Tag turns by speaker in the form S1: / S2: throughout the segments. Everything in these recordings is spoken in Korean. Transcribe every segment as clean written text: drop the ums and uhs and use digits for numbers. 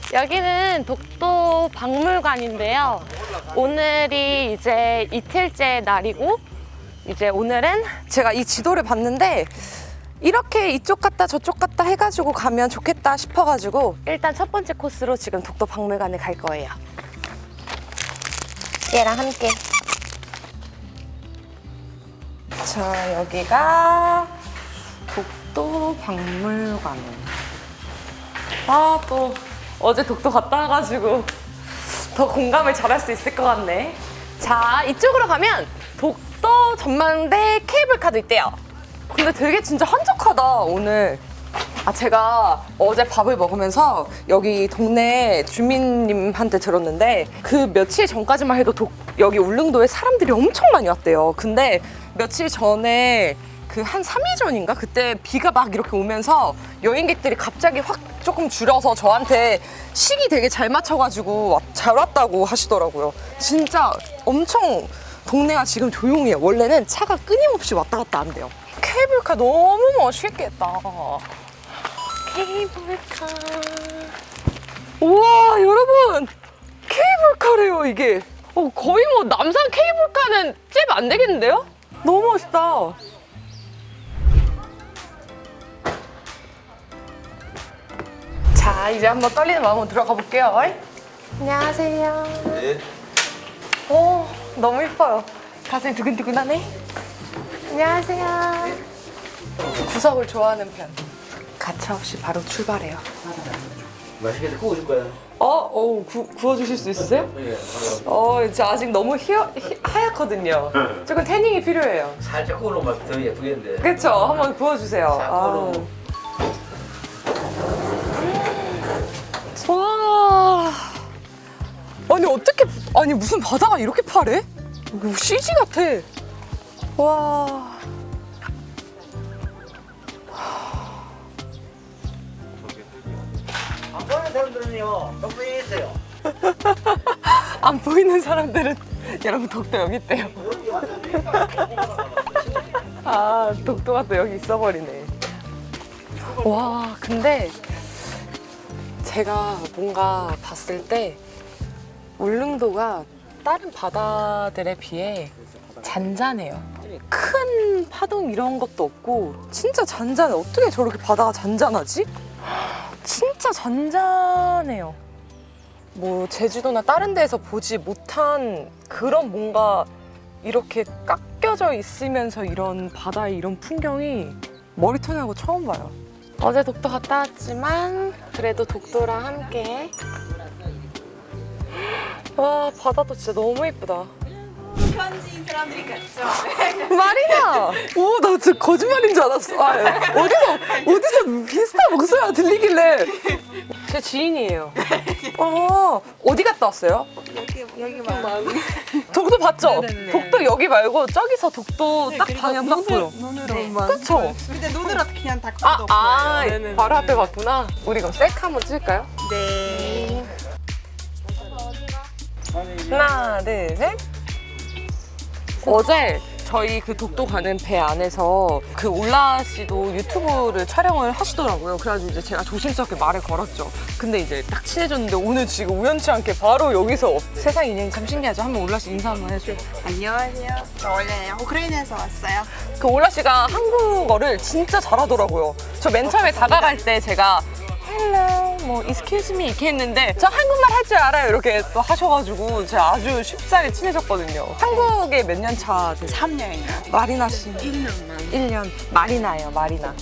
S1: 여기는 독도 박물관인데요. 오늘이 이제 이틀째 날이고, 이제 오늘은 제가 이 지도를 봤는데 이렇게 이쪽 갔다 저쪽 갔다 해가지고 가면 좋겠다 싶어가지고 일단 첫 번째 코스로 지금 독도 박물관에 갈 거예요. 얘랑 함께. 자, 여기가 독도 박물관. 아, 또 어제 독도 갔다 와가지고 더 공감을 잘할 수 있을 것 같네. 자, 이쪽으로 가면 독도 전망대 케이블카도 있대요. 근데 되게 진짜 한적하다 오늘. 제가 어제 밥을 먹으면서 여기 동네 주민님한테 들었는데 그 며칠 전까지만 해도 여기 울릉도에 사람들이 엄청 많이 왔대요. 근데 며칠 전에 그 한 3일 전인가? 그때 비가 막 이렇게 오면서 여행객들이 갑자기 확 조금 줄여서 저한테 시기 되게 잘 맞춰가지고 잘 왔다고 하시더라고요. 진짜 엄청 동네가 지금 조용해요. 원래는 차가 끊임없이 왔다 갔다 한대요. 케이블카 너무 멋있겠다. 케이블카. 우와, 여러분! 케이블카래요, 이게. 거의 뭐 남산 케이블카는 잽 안 되겠는데요? 너무 멋있다. 자, 이제 한번 떨리는 마음으로 들어가 볼게요. 안녕하세요.
S2: 네.
S1: 오, 너무 예뻐요. 가슴이 두근두근하네. 안녕하세요. 구석을 좋아하는 편. 가차없이 바로 출발해요.
S2: 맛있게 구워줄 거야.
S1: 구워주실 수 있으세요?
S2: 예.
S1: 저 아직 너무 하얗거든요. 조금 태닝이 필요해요.
S2: 살짝 구우면 더 예쁘겠는데.
S1: 그쵸? 한번 구워주세요.
S2: 싹으로.
S1: 와. 아니 무슨 바다가 이렇게 파래? 이거 CG 같아. 와.
S2: 안 보이는 사람들은요, 너무 있어요.
S1: 안 보이는 사람들은 여러분 독도 여기 있대요. 독도가 또 여기 있어버리네. 와, 근데 제가 뭔가 봤을 때 울릉도가 다른 바다들에 비해 잔잔해요. 큰 파동 이런 것도 없고 진짜 잔잔해. 어떻게 저렇게 바다가 잔잔하지? 진짜 잔잔해요. 뭐 제주도나 다른 데에서 보지 못한 그런 뭔가 이렇게 깎여져 있으면서 이런 바다의 이런 풍경이 머리통하고 처음 봐요. 어제 독도 갔다 왔지만 그래도 독도랑 함께. 와, 바다도 진짜 너무 예쁘다.
S3: 현지인 사람들이 같죠?
S1: 마리나! 오, 나 진짜 거짓말인 줄 알았어. 어디서 비슷한 목소리가 들리길래. 제 지인이에요. 어디 갔다 왔어요?
S3: 여기 막
S1: 독도 봤죠?
S3: 네네네.
S1: 독도 여기 말고 저기서 독도 딱 방향 딱 보여.
S3: 눈으로만.
S1: 그쵸?
S3: 근데 눈으로 그냥 다 봐도 보여요.
S1: 바로 앞에 봤구나. 우리 그럼 셀카 한번 찍을까요?
S3: 네.
S1: 하나, 둘, 셋. 어제 저희 그 독도 가는 배 안에서 그 올라 씨도 유튜브를 촬영을 하시더라고요. 그래가지고 이제 제가 조심스럽게 말을 걸었죠. 근데 이제 딱 친해졌는데 오늘 지금 우연치 않게 바로 여기서 세상 인연이 참 신기하죠. 한번 올라 씨 인사 한번 해줘.
S3: 안녕하세요. 저 원래 우크라이나에서 왔어요.
S1: 그 올라 씨가 한국어를 진짜 잘하더라고요. 저 맨 처음에 다가갈 때 제가 헬로 뭐 excuse me 이렇게 했는데 저 한국말 할 줄 알아요 이렇게 또 하셔가지고 제가 아주 쉽사리 친해졌거든요. 한국에 몇 년 차 되세요?
S3: 3년이요.
S1: 마리나 씨
S3: 1년만.
S1: 1년 마리나예요. 마리나.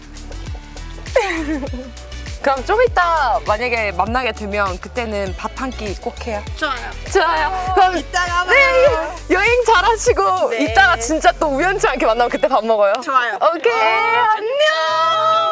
S1: 그럼 좀 이따 만약에 만나게 되면 그때는 밥 한 끼 꼭 해요.
S3: 좋아요.
S1: 좋아요. 그럼
S3: 이따가
S1: 네,
S3: 봐요.
S1: 여행 잘하시고
S3: 네.
S1: 이따가 진짜 또 우연치 않게 만나면 그때 밥 먹어요.
S3: 좋아요.
S1: 오케이, 안녕.